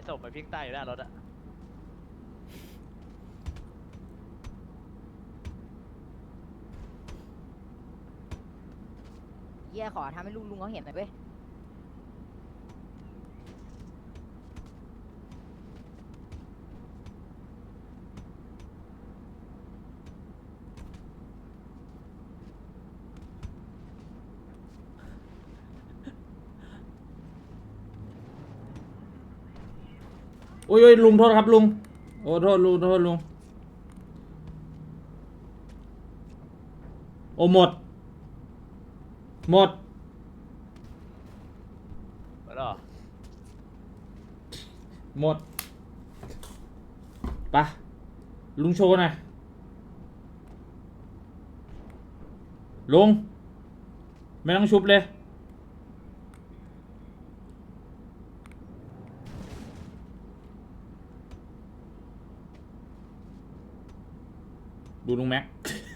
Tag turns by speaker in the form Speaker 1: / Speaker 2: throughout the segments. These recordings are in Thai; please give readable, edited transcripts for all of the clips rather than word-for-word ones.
Speaker 1: ศพไปพิ้งใต้อยู่หน้ารถอะ
Speaker 2: เยี่ยขอทำให้ลุงเขาเห็นหน่อยเว้ย
Speaker 3: โอ้ยลุงโทษครับลุงโอ้โทษลุงโอ้หมด
Speaker 1: หมดเหรอ
Speaker 3: หมดไปลุงโชว์หน่อยลุงไม่ต้องชุบเลยดูลุงแม็ก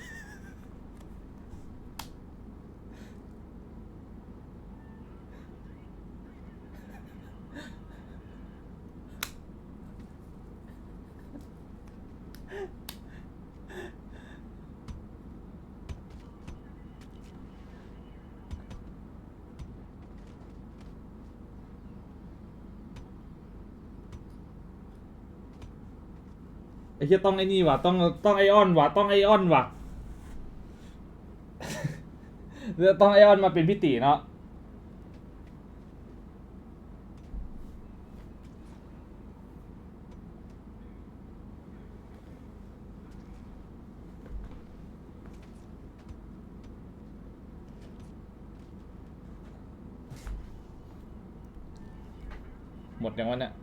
Speaker 3: ไอ้เหี้ยต้องไอ้นี่ว่ะต้องไอออนว่ะต้องไอออนว่ะ ต้องไอออนมาเป็นพี่ตีเนาะหมดอย่างวันเนี้ย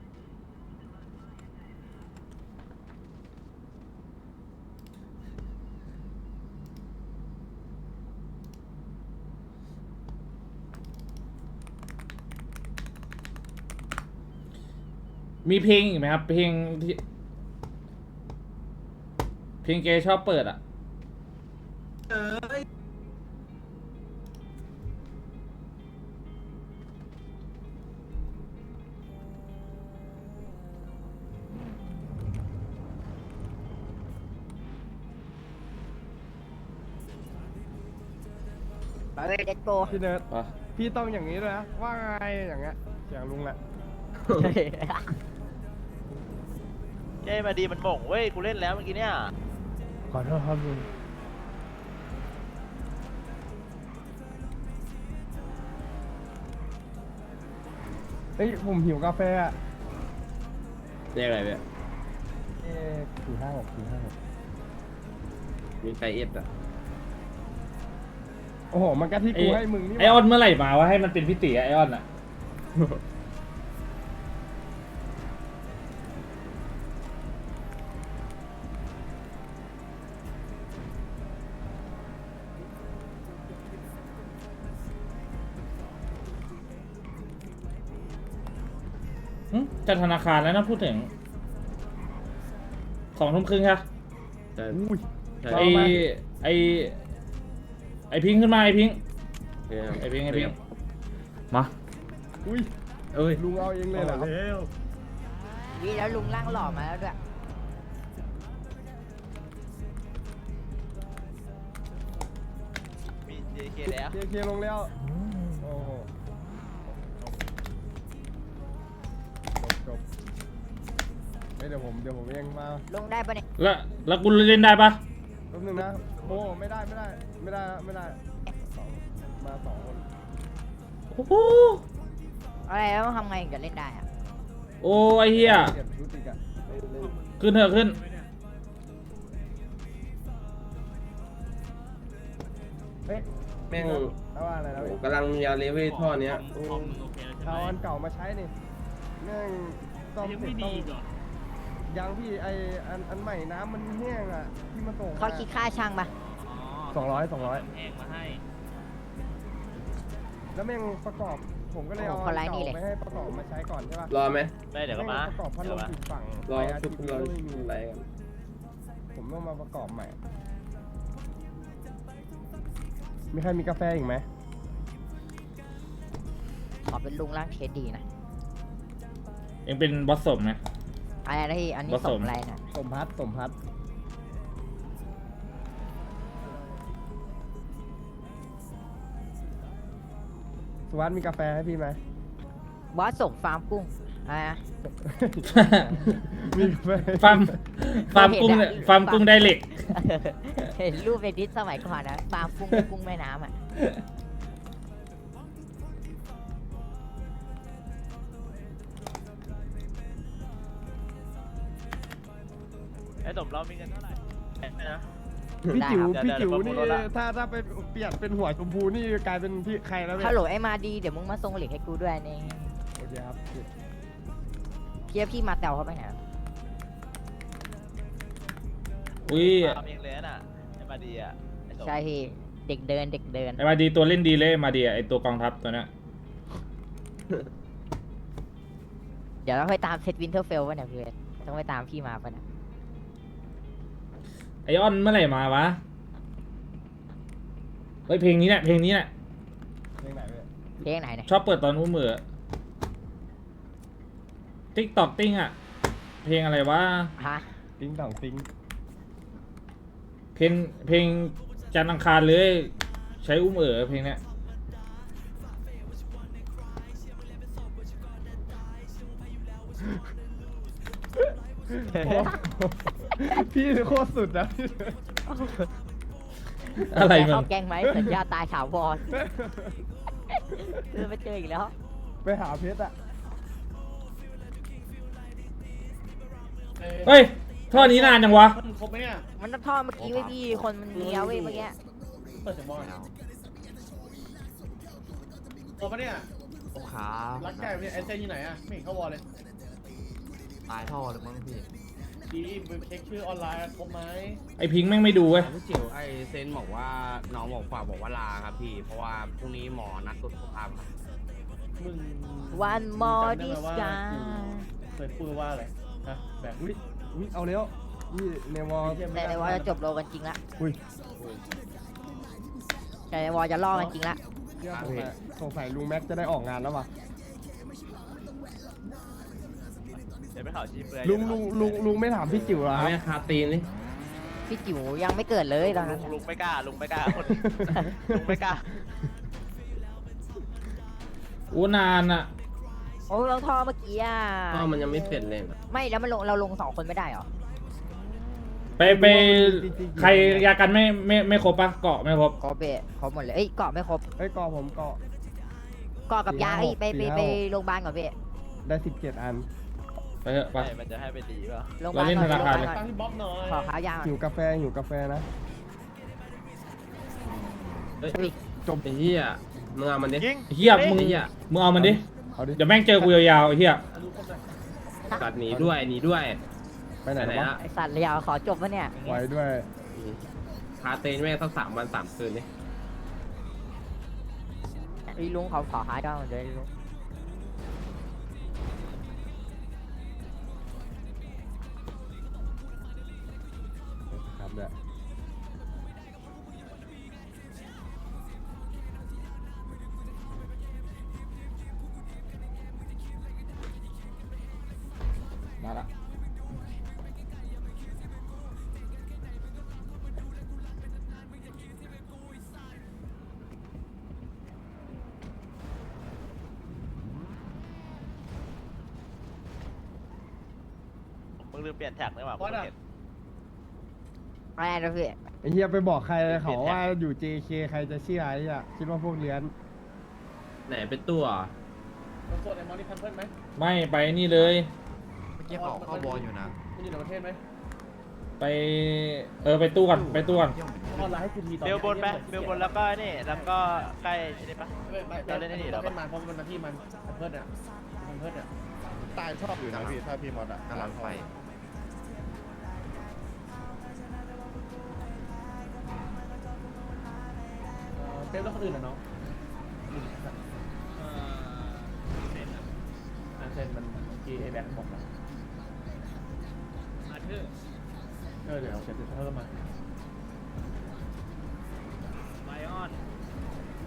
Speaker 3: มีเพลงอีกไหมครับเพลงที่เพลงเกย์ชอบเปิดอ่ะ
Speaker 2: ไปเว้ยเด็กโต
Speaker 4: พี่เนิร์ด
Speaker 3: อ่ะ
Speaker 4: พี่ต้องอย่างนี้ด้วยนะ ว่าไงอย่างเงี้ยเสียงลุงแหละ
Speaker 1: เจ้มาดีมันบ่งเว้ยกูเล่นแล้วเมื่อกี้เนี่ย
Speaker 4: ขอโทษครับลุงเฮ้ยผมหิวกาแฟอ่ะ
Speaker 5: เรียกอะไรเนี่ย
Speaker 4: 456
Speaker 5: มีไซเอสอ่ะ
Speaker 4: โอ้โห มันก็ที่กูให้มึงนี่ห
Speaker 3: ไอออนเมื่อไหร่มาวะให้มันเป็นพี่ตีไอออนอ่ะจะธนาคารแล้วนะพูดถึง2 ทุ่มครึ่งค่ะ
Speaker 5: ใช่
Speaker 4: อุ้ย
Speaker 5: ใช่
Speaker 3: ไอไอพิงค์ขึ้นมาไอพิงค์
Speaker 5: เนี่ย
Speaker 3: ไอพิงค์มา
Speaker 4: อุ้ย
Speaker 5: เอ้ย
Speaker 4: ลุงเอาเองเลยเหรอครับ
Speaker 2: นี่แล้วลุงร่างหล่อมาแล้วด้วย
Speaker 1: มี JK แล้ว
Speaker 4: เคลียร์ลงแล้ว โอ้โหจบเฮ้ยเดี๋ยวผมเองมา
Speaker 2: ลุงได้ปะเนี่ย
Speaker 3: แล้วกูเล่นได้ปะ
Speaker 4: แป๊บนึงนะโอ้ไม่ได้สองมา2 คน
Speaker 3: โอ้โห
Speaker 2: อะไรแล้วทำไงถึงจะเล่นได้อะ
Speaker 3: โอ้ไอเหี้ย
Speaker 4: เก็บชุดอีกอะเล่น
Speaker 3: ขึ้นเถอะขึ้น
Speaker 4: เฮ้ย
Speaker 5: แม่ง
Speaker 4: เอาว่าอะไรแล้ว
Speaker 5: โอ้กำลังยาเลเวลท่อเนี้ยโอ้
Speaker 4: เอาอันเก่ามาใช้นี่แม่งซ่อมเสร็จต้องยังพี่ไออันใหม่น้ำมันแห้งอ่ะที่มันส่ง
Speaker 2: เขาคิดค่าช่างปะ
Speaker 4: 200
Speaker 1: แพงมาให้
Speaker 4: แล้วแม่งประกอบผมก็เลยเอาอันเก่าไปให้ประกอบมาใช้ก่อนใช่ป่ะ
Speaker 5: รอไหม
Speaker 1: ไม่เดี๋ยวก็มา
Speaker 4: ประกอบพัดลมติดฝั่ง
Speaker 5: รอ
Speaker 4: ไปอา
Speaker 5: ชุ
Speaker 4: ทิ
Speaker 5: บ
Speaker 4: ตย์
Speaker 5: รอ
Speaker 4: ก็ไม่มี
Speaker 5: อะไรกัน
Speaker 4: ผมต้องมาประกอบใหม่ มีใครมีกาแฟอีกไหม
Speaker 2: ขอเป็นลุงร่างเทสดีนะ
Speaker 3: เองเป็นบอสสมไหม
Speaker 2: อะไรนะพี่อันนี้
Speaker 3: ผส
Speaker 2: ส
Speaker 3: ม
Speaker 2: มอะไรนะ
Speaker 4: สมพัฒน์สุวัสดิ์มีกาแฟให้พี่ไหม
Speaker 2: บอสสมฟาร์มกุ้งอะไรนะ
Speaker 4: มีกาแฟ
Speaker 3: ฟาร์มฟาร์มกุ้งเนี่ยฟาร์มกุ้งได้เหล็ก
Speaker 2: เห็นรูปในดิสสมัยก่อนนะฟาร์มกุ้งกุ้งแม่น้ำอ่ะ
Speaker 1: ไอ้สมเรามีเงินเท่าไหร่นะ
Speaker 4: พี่จิ๋ว
Speaker 1: ได้ครับ
Speaker 4: พี่จิ๋ว
Speaker 1: เดี๋
Speaker 4: นี่
Speaker 1: ยวผมลดละ
Speaker 4: ถ้าไปเปลี่ยนเป็นหัวชมพูนี่กลายเป็นพี่ใครแล้วเนี่ย
Speaker 2: ฮัลโหลไอ้มาดีเดี๋ยวมึงมาส่งเหล็กให้กูด้วยนี่
Speaker 4: โอเคครับ
Speaker 2: เพียพี่มาแตวเขาไปไหนอะ
Speaker 3: อุ้ย
Speaker 1: ทำเองเลยน่ะไอ้มาดีอ่ะไอ้สม
Speaker 2: ใช่พี่เด็กเดินเด็กเดิน
Speaker 3: ไอ้มาดีตัวเล่นดีเลยมาดีไอ้ตัวกองทัพตัวเนี้ย
Speaker 2: เดี๋ยวเราไปตามเซตวินเทอร์เฟลวะเนี่ยเพื่อนต้องไปตามพี่มาปะเนี่ย
Speaker 3: ไอออนเมื่อไหร่มาวะเฮ้ยเพลงนี้แหละเพลงนี้แหละ
Speaker 4: เพลงไหนเนี่ย
Speaker 2: เพลงไหนเนี่ย
Speaker 3: ชอบเปิดตอนอุ้มมือติ๊กตอกติ้งอะเพลงอะไรวะ
Speaker 2: ฮะ
Speaker 4: ติ้งต่องติ้ง
Speaker 3: เพลงจันทร์อังคารเลย ใช้อุ้มเพลงเนี้ย
Speaker 4: พี่โคตรสุดนะพี่
Speaker 3: อะไร
Speaker 2: แก
Speaker 3: มัน
Speaker 2: เข้าแกงไหมสัญญาตายถาวรไปเจออีกแล้ว
Speaker 4: ไปหาเพชรอะ
Speaker 3: เฮ้ยท่อนี้นานจังวะ
Speaker 6: มันครบไหมเนี่ย
Speaker 2: มันต้องท่อเมื่อกี้ไว้พี่คนมันเลี้ยวเว้ยเมื่อกี้
Speaker 6: เปิดเสียงบอลครบปะเนี่ย
Speaker 7: โอ้ขา
Speaker 6: รักไก่เนี่ยไอเซนอยู่ไหนอะไม่เห็นเข้าวอลเลย
Speaker 7: ตายท่อเลยมั้งพี่
Speaker 6: ดีไปเช็คชื่อออนไลน์ครบไหม
Speaker 3: ไอพิงค์แม่งไม่ดูเว้ย
Speaker 7: พี่จิ๋วไอเซนบอกว่าน้องบอกฝากบอกว่าลาครับพี่ เพราะว่าพรุ่งนี้หมอนัดตรวจสุขภาพครับ
Speaker 6: มึง
Speaker 2: วันมอ
Speaker 6: จำได้
Speaker 2: ดิ
Speaker 6: ไหม
Speaker 2: ส
Speaker 6: ว่า
Speaker 2: กา
Speaker 6: เคยพูดว่าอะไรฮะแบบ
Speaker 4: อุ้ยเอาแล้วนี่ในวอล
Speaker 2: แต่ในวอลจะจบโลกันจริงละ
Speaker 4: อุ้ย
Speaker 2: แต่ในวอลจะล่อกันจริงละ
Speaker 4: สงสัยลุงแม็กจะได้ออกงานแล้วว่ะ
Speaker 1: เดี๋ยวไปข่าวชี้เปลือย
Speaker 4: ลุงไม่ถามพี่จิ๋วเหรอ
Speaker 5: เอา
Speaker 4: ครับ
Speaker 5: แม่คาตีนนี่
Speaker 2: พี่จิ๋วยังไม่เกิดเลยตอนนั้น
Speaker 1: ลุงไม่กล้าลุงไม่กล้าคนลุงไม่กล้า
Speaker 3: โอ้นานอะ
Speaker 2: โอ้เราท่อเมื่อกี้อ่ะ
Speaker 5: ก็มันยังไม่เสร็จเลยนะ
Speaker 2: ไม่แล้วมันลงเราลง2 คนไม่ได้เหรอ
Speaker 3: ไปใครยากันไม่ครบปะเกาะไม่ครบ
Speaker 2: ครบเบะครบหมดเลยเอ้ยเกาะไม่ครบ
Speaker 4: เอ้ยกอผมกอ
Speaker 2: เกาะกับยาเอ้ยไป
Speaker 4: 4-5
Speaker 2: ไปโรงพยาบาลก่อนเบะ
Speaker 4: ได้17 อัน
Speaker 3: ไปเถอะไป
Speaker 1: มันจะให้ไปดีเปล่า
Speaker 2: โรงพยาบาล
Speaker 3: เราเล่น
Speaker 2: ก่อน
Speaker 3: ธนาคาร
Speaker 2: โงพยบลก่อน
Speaker 6: ตั้งที่บ๊อบหน่อย
Speaker 2: ขอข้าวยา
Speaker 4: หิวกาแฟนะ
Speaker 5: เฮ้ยจบไอ้เหี้ยมึงเอามันดิ
Speaker 1: ยิง
Speaker 3: เฮียมึง
Speaker 5: ไอ้เหี้ย
Speaker 3: มึงเอามันดิ
Speaker 4: เอาดิ
Speaker 3: เดี๋ยวแม่งเจอกูยาวๆไอ้เฮีย
Speaker 6: ดูครบเลย
Speaker 5: ตัดหนีด้วยหนีด้วย
Speaker 4: ไปไหน
Speaker 5: ไหน
Speaker 4: วะ
Speaker 5: ละ
Speaker 2: ไอสัตว์เลยาวขอจบวะเนี่ย
Speaker 4: ไว้ด้วย
Speaker 5: คาเตนแม่งสัก3 วัน 3 คืนนี่
Speaker 2: ไอ้ลุงเขาขอหาดาวเดี๋ยวไอ้ลุง
Speaker 4: ครับเนี่ย
Speaker 3: มาละ
Speaker 1: มึงลืมเปลี่ยนแท็กเลยว่ะ
Speaker 6: บอสอะ
Speaker 2: อะไรนะพี่
Speaker 4: ไอ้เฮียไปบอกใครเลยเขาว่าอยู่ JK ใครจะเชื่อไอ้เนี่ยคิดว่าพวกเลี้ยน
Speaker 5: ไหนเป็นตัว
Speaker 6: มันส่วนไอ้มอนี่ทันเพิ่มไหม
Speaker 3: ไม่ไปนี่เลย
Speaker 7: เมื่อกี้เขาเข้าบอลอยู่นะ
Speaker 6: มันอยู่ในประเทศไหม
Speaker 3: ไปไปตู้ก่อนไปตู้ก่อน
Speaker 6: ออนไลน์ให้กูทีตอน
Speaker 1: เบลบนไปเบลบนแล้วก็นี่แล้วก็ใกล้นี่ปะ
Speaker 6: ไม่เราเล่นนี่เหรอเป็นมันเพราะมันมาที่มันเพิ่มเนี่ยมันเพิ่มเนี่ย
Speaker 8: ตายชอบอยู่นะพี่ถ้าพี่มอสอะ
Speaker 7: กำลังไป
Speaker 6: เป็นแล้วคนอื่นเหรอน้องอันเซนมันกีไอแบ็คบอกนะเดี๋ยวเสร็จเพิ่มมา
Speaker 1: ไลออน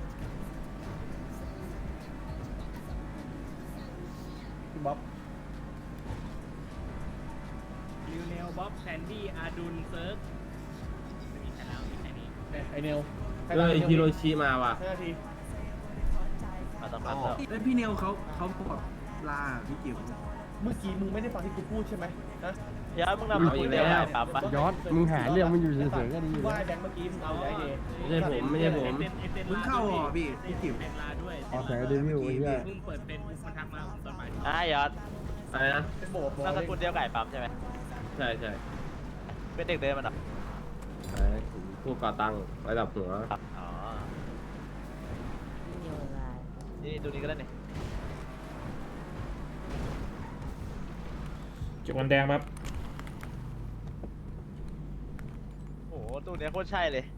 Speaker 6: พี่บ๊อบ
Speaker 9: ลิวเนลบ๊อบแซนดี้อาดุลเซิร์ฟไม่มีใครแล้วมีแค่นี้
Speaker 6: ไอเนล
Speaker 5: ก็ฮิโรชิมาว่ะ
Speaker 6: 5 นาที
Speaker 1: มาต้องรับแล้ว
Speaker 9: แล้วพี่เนลเขาบอกลาพี่จิ๋ว
Speaker 6: เมื่อกี้มึงไม่ได้ฟังที่กูพูดใช่ไหมนะ
Speaker 1: ย้อนมึงนำคนเดียวไก่ปั๊มปะ
Speaker 4: ยอดมึงหาเรื่องมันอยู่เฉยๆก็ดีอยู่
Speaker 6: ว่า
Speaker 4: แล้ว
Speaker 6: แบงค์เมื่อกี้มึงเอาได้เดย์
Speaker 5: ไม่ใช่ผม
Speaker 9: มึงเข้าเหรอพี่จิ๋วเซนลาด้วย
Speaker 4: ออกแสงเดวิลไอ้เหี้ย
Speaker 9: เพิ่งเปิดเป็นมันทักมาตอนบ่าย
Speaker 1: ย้อน
Speaker 5: อะไรนะ
Speaker 6: เป็นโบก
Speaker 1: นามสกุลเดียวไก่ปั๊มใช่ไหม
Speaker 5: ใช่ใช่
Speaker 1: เป็นเด็กเดินมันเหรอ
Speaker 5: ผู้ก่อตั้งระดับหัว
Speaker 1: อ๋อนี่ดูนี่ก็ได้นี่
Speaker 3: จุกมันแดงครับ
Speaker 1: โอ้โหตู้เนี้ยโคตรใช่เลย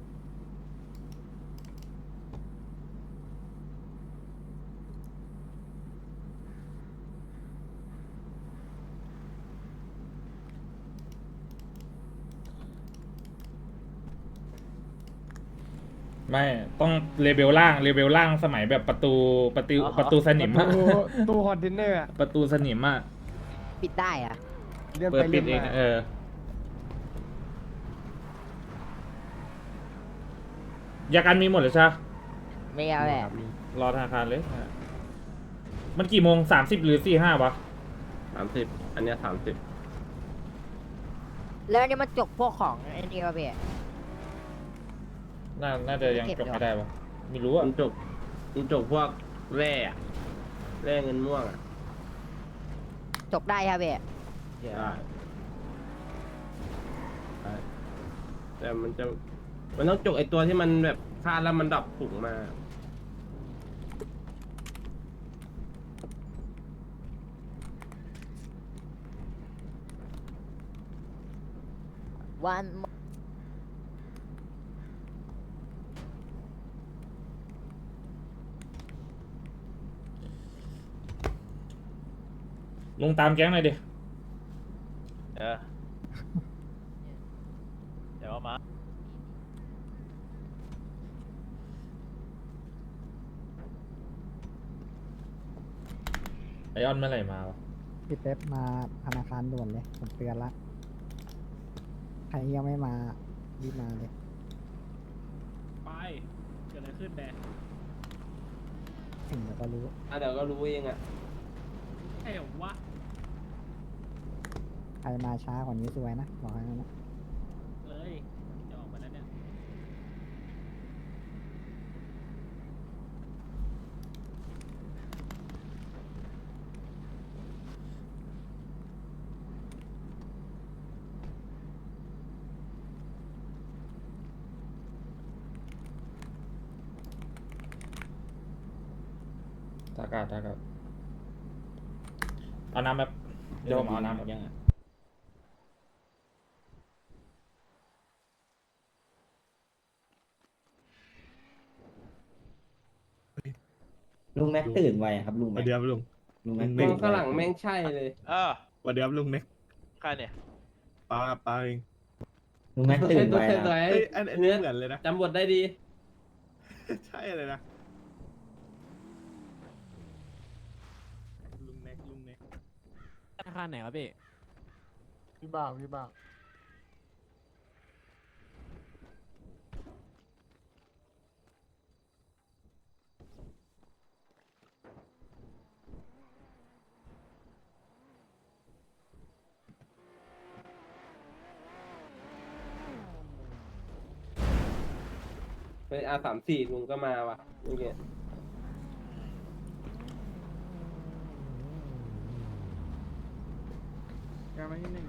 Speaker 3: ไม่ต้องเลเวลล่างสมัยแบบประตูสนิมอะ
Speaker 4: ตู้คอนเทนเนอร์อะ
Speaker 3: ประตูสนิมอะ
Speaker 2: ปิดได้อะ
Speaker 4: เลื่อน
Speaker 3: เปิ
Speaker 4: ไป
Speaker 3: ดปิ
Speaker 4: เลื่
Speaker 3: ด
Speaker 4: อน
Speaker 3: เอง
Speaker 4: มา
Speaker 3: อะยากันมีหมดเลยใช่ปะ
Speaker 2: ไม่เอาแหละ
Speaker 3: รอธนาคารเลย มันกี่โมง30 หรือ45วะ
Speaker 5: 30 อันเนี้ย30
Speaker 2: แล้วอันนี่มันจกพวกของไอ้นี่ก็พี่
Speaker 3: น่าจะยังจบไม่ได้ปะไม่รู้อะ
Speaker 5: มันจบพวกแร่อะแร่เงินม่วงอ่ะ
Speaker 2: จกได้ครับพี่
Speaker 5: ได้แต่มันต้องจกไอตัวที่มันแบบคาดแล้วมันดับผุงมา
Speaker 2: วัน
Speaker 3: ลงตามแก๊งหน่อยดิ
Speaker 1: เดี๋ยวเอามา
Speaker 3: ไอออนเมื่อไหร่มาวะ
Speaker 10: พี่เป๊ปมาธนาคารด่วนเลย ผมเตือนละ ใครยังไม่มารีบมาเลย
Speaker 9: ไปเกิดอะไรขึ้นแบ
Speaker 10: ถึงเดี๋ยวก็รู้
Speaker 5: เดี๋ยวก็รู้เองอ่ะ
Speaker 9: ใช่เหรอวะ
Speaker 10: ใครมาช้ากว่านี้สวยนะ บอกให้นะ
Speaker 9: เลยจะออกมาแล้วเนี่ย
Speaker 3: ทากาเอาน้ำแบบเดี๋ยวผมเอาน้ำแบบยัง
Speaker 11: ลุงแม็กตื่นไวครับลุง
Speaker 8: ส
Speaker 11: แม็
Speaker 8: วั
Speaker 11: ก
Speaker 8: สดีครับลุง
Speaker 11: ลุงแม็ก
Speaker 8: ลุ
Speaker 11: ตื่
Speaker 8: ง
Speaker 11: น
Speaker 5: มองข้างหลังแม่งใช่เลย
Speaker 8: สวัสดีครับลุงเน็ก
Speaker 1: ใครเนี่ย
Speaker 8: ปลาเอง
Speaker 11: ลุงแม็กตื่นไว
Speaker 5: ตัว
Speaker 11: นะ
Speaker 5: ตัว
Speaker 8: เอ้ยอันนี้เหมือนเลยนะ
Speaker 5: จำบทได้ดี
Speaker 8: ใช่เลยนะ
Speaker 9: ลุงเน็ก
Speaker 6: ธนาคารไหนครับพี่
Speaker 4: พี่บ้า
Speaker 5: เป็น R34 ลุงก็มาว่ะเมื่อกี้
Speaker 9: การมาที่หนึ่ง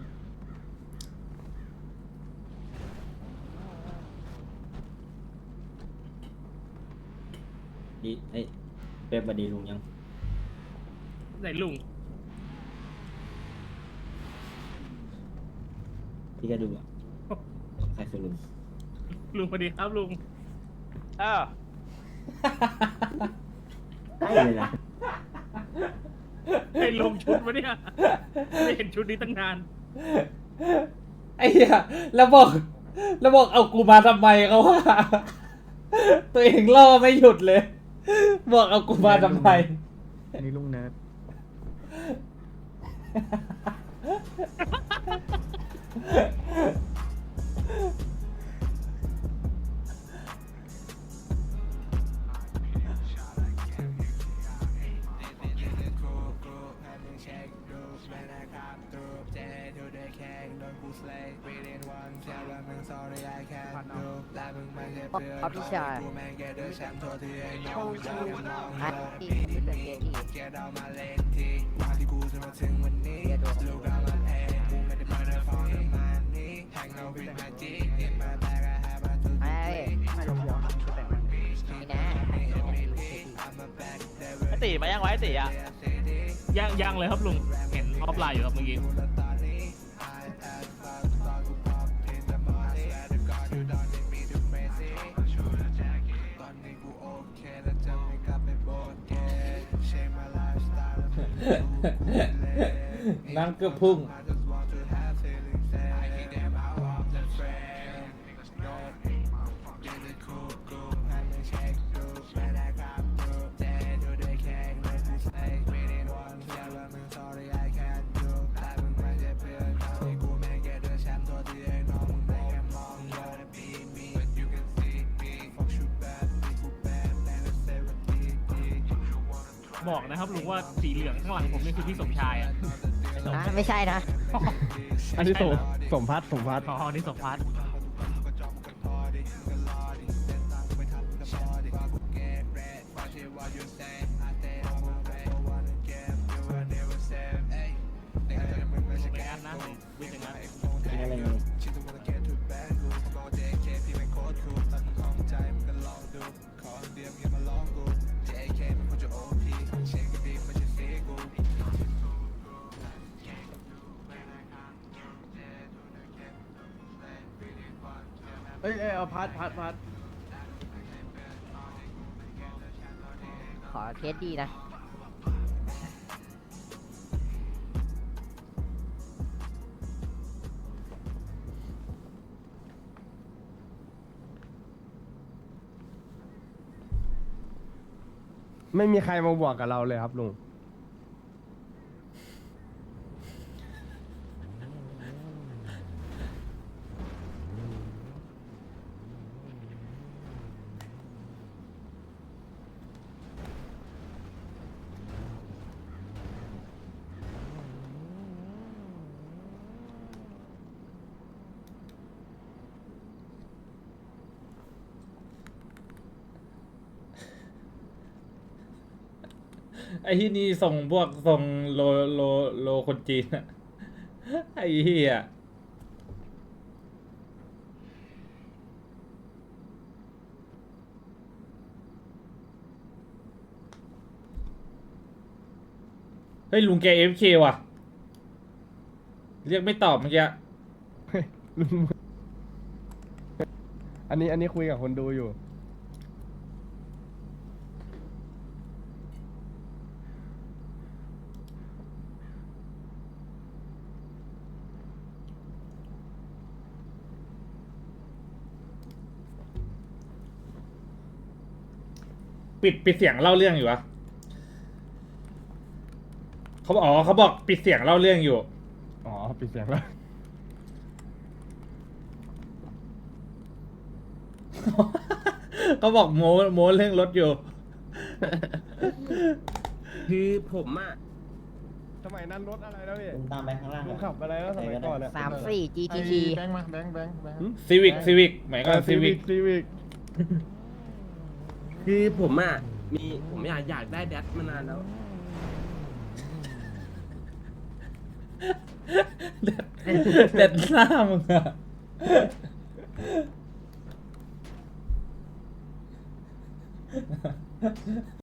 Speaker 11: ดีเอ้ยเป๊ปบัดดีลุงยัง
Speaker 9: ไหนลุง
Speaker 11: พี่ก็ดูอ่ะใครคือลุง
Speaker 9: ลุงสวัสดีครับลุง
Speaker 11: ใช่เลยนะ
Speaker 9: ไอ้ลงชุดวะเนี่ยไม่เห็นชุดนี้ตั้งนาน
Speaker 3: ไอ้เหี้ยแล้วบอกเอากูมาทำไมเขาว่า ตัวเองล่อไม่หยุดเลย บอกเอากูมาทำไม
Speaker 10: นี่ลุงเนิร์ด
Speaker 2: เอาพี่ชายฮัทที่เป็นเกย์ที่เกย์ดูไอ้นี่นะ
Speaker 1: ไอตีมายังไว้ไอตีอ่ะ
Speaker 9: ยังเลยครับลุง เห็นออฟไลน์อยู่ครับเมื่อกี้
Speaker 3: นั่งเกือบพุ่ง
Speaker 9: บอกนะครับลุงว่าสีเหลืองข้างหลังผมนี่คือพี่สมชายอ่ะ
Speaker 2: ไม่ใช่นะ
Speaker 4: อันนี้สมพัฒน์
Speaker 9: อ๋อนี่สมพัฒน์
Speaker 11: อะไรเงี้ย
Speaker 4: เอ้ยเอาพัด
Speaker 2: ขอเคสดีนะ
Speaker 4: ไม่มีใครมาบวกกับเราเลยครับลุง
Speaker 3: ไอ้ที่นี่ส่งพวกส่งโลคนจีนอะไอ้เหี้ยเฮ้ยลุงแก AFK ว่ะ เรียกไม่ตอบเมื่อกี้
Speaker 4: ลุงอันนี้คุยกับคนดูอยู่
Speaker 3: ปิดเสียงเล่าเรื่องอยู่วะเขาบอกเขาบอกปิดเสียงเล่าเรื่องอยู่
Speaker 4: อ๋อปิดเสียงแล้ว
Speaker 3: เขาบอกโม้เรื่องรถอยู่
Speaker 5: คือผมอ่ะ
Speaker 4: สมัยนั้นรถอะไรแล้วพี่
Speaker 11: ลุงตามไปข้างล่าง
Speaker 4: ลุงขับอะไรแล้วสมัยก่อนอะ
Speaker 2: 34 GTT
Speaker 6: แบงค์มาแบงค์
Speaker 3: ซีวิกหมายก็ซีวิก
Speaker 4: ซีวิก
Speaker 5: คือผมอ่ะผมอยากได้แดดมานานแล้ว
Speaker 3: เด็ดหน้ามึงอะ